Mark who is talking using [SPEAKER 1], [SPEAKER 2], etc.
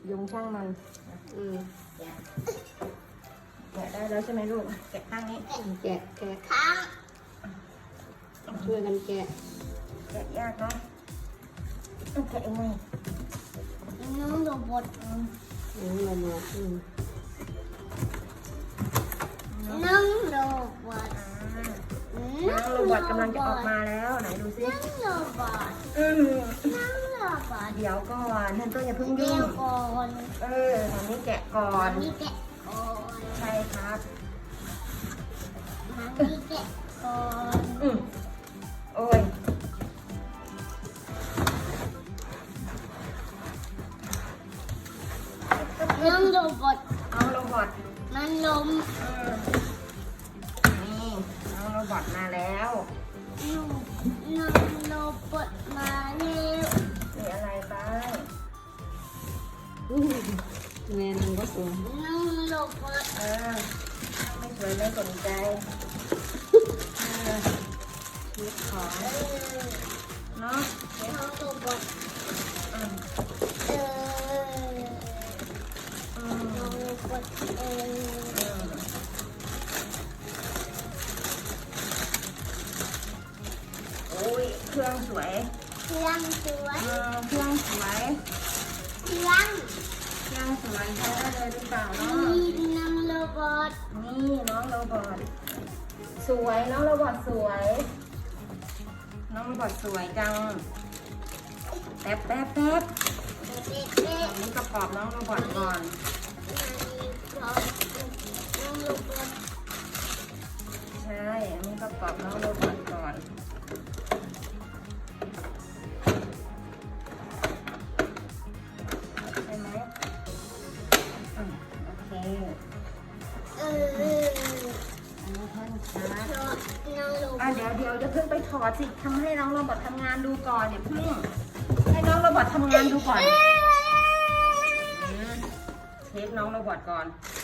[SPEAKER 1] ยงช่างมัน
[SPEAKER 2] อืม
[SPEAKER 1] แกะได้แล้วใช่ไหมลูกแกะข้างนี้
[SPEAKER 2] แกะ
[SPEAKER 3] ข้าง
[SPEAKER 2] ช่วยกันแกะ
[SPEAKER 1] แกะยากเนาะต้องแกะยังไง
[SPEAKER 3] น้องโรบอท
[SPEAKER 2] เรามา
[SPEAKER 3] น้องโรบอท
[SPEAKER 1] น้องโรบอทกำลังจะออกมาแล้วไหนดูซิ
[SPEAKER 3] น้องโรบอท
[SPEAKER 1] อืม
[SPEAKER 3] น้องโรบอท
[SPEAKER 1] เดี๋ยวก่อนท่านต้นอย่าเพิ่ง
[SPEAKER 3] เดี๋
[SPEAKER 1] ยุ่
[SPEAKER 3] ยว
[SPEAKER 1] ง
[SPEAKER 3] ก่อน
[SPEAKER 1] ตอนนี้แกะก่อน
[SPEAKER 3] นี่แกะก่อน
[SPEAKER 1] ใช่ครับ
[SPEAKER 3] นี่แกะก่อน
[SPEAKER 1] โอ้ย
[SPEAKER 3] น้องโรบอท
[SPEAKER 1] น้องโรบอท
[SPEAKER 3] มันล้ม
[SPEAKER 1] นี่น้องโรบอทมาแล้ว
[SPEAKER 3] น้องโรบอทมาแล้ว
[SPEAKER 1] มีอะไรบ้าง
[SPEAKER 2] แม่มันก็สวย
[SPEAKER 3] น้องโรบอท
[SPEAKER 1] ไม่สวยไม่สนใจชีวิตของเนาะ
[SPEAKER 3] น้องโรบอท
[SPEAKER 1] อืม
[SPEAKER 3] เออ
[SPEAKER 1] อืม
[SPEAKER 3] น้องโรบอทเออ
[SPEAKER 1] โอ้ยเครื่องสวย
[SPEAKER 3] เครื่องสวย
[SPEAKER 1] เครื่องสวย
[SPEAKER 3] เครื่อง
[SPEAKER 1] เครื่องสวยใช้ได้เลยหรือเปล่าเนาะ
[SPEAKER 3] นี่น้องโรบอท
[SPEAKER 1] นี่น้องโรบอทสวยน้องโรบอทสวย น้องโรบอทสวยจังแป๊บ
[SPEAKER 3] เด็ก
[SPEAKER 1] อันนี้ประกอบน้องโรบอทก่อน
[SPEAKER 3] ๆน้องโรบอท
[SPEAKER 1] ใช่ อันนี้ประกอบน้องโรบอทก่อนใช่ไหมโอเค
[SPEAKER 3] เออ
[SPEAKER 1] อันนี้แท่นชาร์จ
[SPEAKER 3] น้องโรบอท
[SPEAKER 1] เดี๋ยวจะเพิ่งไปถอดสิทำให้น้องโรบอททำงานดูก่อนเดี๋ยวเพิ่งให้น้องโรบอททำงานดูก่อนเช็คน้องโรบอทก่อน